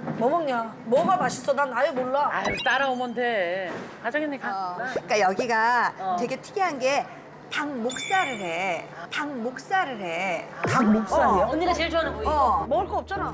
뭐 먹냐? 뭐가 맛있어? 난 아예 몰라. 아유, 따라오면 돼. 가정이네, 가. 그러니까 여기가 되게 특이한 게 닭목살을 해. 닭목살을 해. 닭목살이요? 언니가 제일 좋아하는 부위. 먹을 거 없잖아.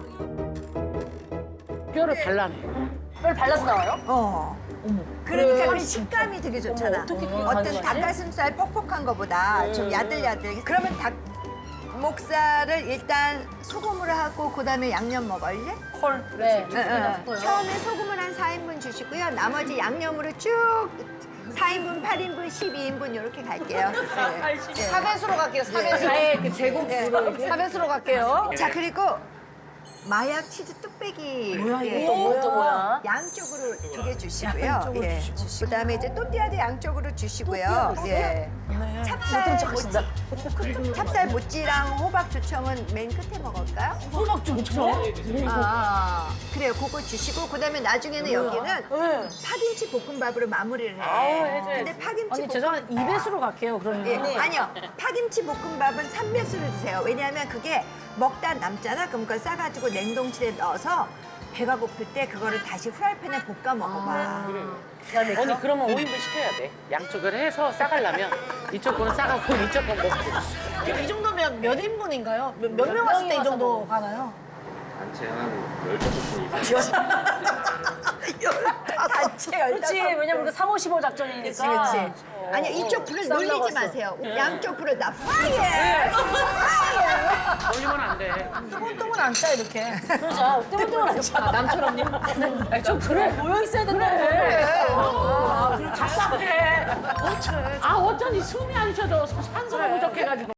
뼈를 발라내. 뼈를 발라서 나와요? 그러니까 그 식감이 되게 좋잖아. 어떻게 그게 어떤 가능하지? 닭가슴살 퍽퍽한 거보다 좀 야들야들. 그러면 닭목살을 일단 소금으로 하고 그다음에 양념 먹을래? 헐. 네. 처음에 소금을 한 4인분 주시고요. 나머지 양념으로 쭉 4인분, 8인분, 12인분 이렇게 갈게요. 네. 사배수로 갈게요, 사배수. 아예 그 제국 사배수로 갈게요. 자, 그리고 마약 치즈 뚝배기. 뭐야, 이거 예. 또 뭐야? 또 뭐야? 양쪽으로 2개 주시고요. 예. 그다음에 이제 또띠아도 양쪽으로 주시고요. 예. 찹쌀 모찌랑 호박 조청은 맨 끝에 먹을까요? 호박 좋죠? 그래요. 그거 주시고 그다음에 나중에는 여기는 파김치 볶음밥으로 마무리를 해. 근데 파김치 언니 죄송한데 2배수로 갈게요, 그러면. 예, 아니요. 파김치 볶음밥은 3배수를 주세요. 왜냐하면 그게 먹다 남잖아. 그럼 그걸 싸가지고 냉동실에 넣어서 배가 고플 때 그거를 다시 후라이팬에 볶아 먹어봐. 언니, 그러면 5인분 시켜야 돼. 양쪽을 해서 싸가려면 이쪽 거는 싸가고 이쪽 건 먹고. 그럼 이 정도면 몇 인분인가요? 몇 명 왔을 때 이 정도 가나요? 단체 한 15분 이상. 단체 그렇지, 왜냐면 그 3, 5, 15 작전이니까. 그렇지. 아니요, 이쪽 불을 쌈 놀리지 먹었어. 마세요. 양쪽 불을 다 파이어! 올리면 안 돼. 똥은 안 짜, 이렇게. 그러자. 뜸뜸을 안 차. 남처럼요? 좀 그래, 모여있어야 된다고. 답답해. 아, 어쩐지 숨이 안 쉬어져. 산소가 부족해가지고.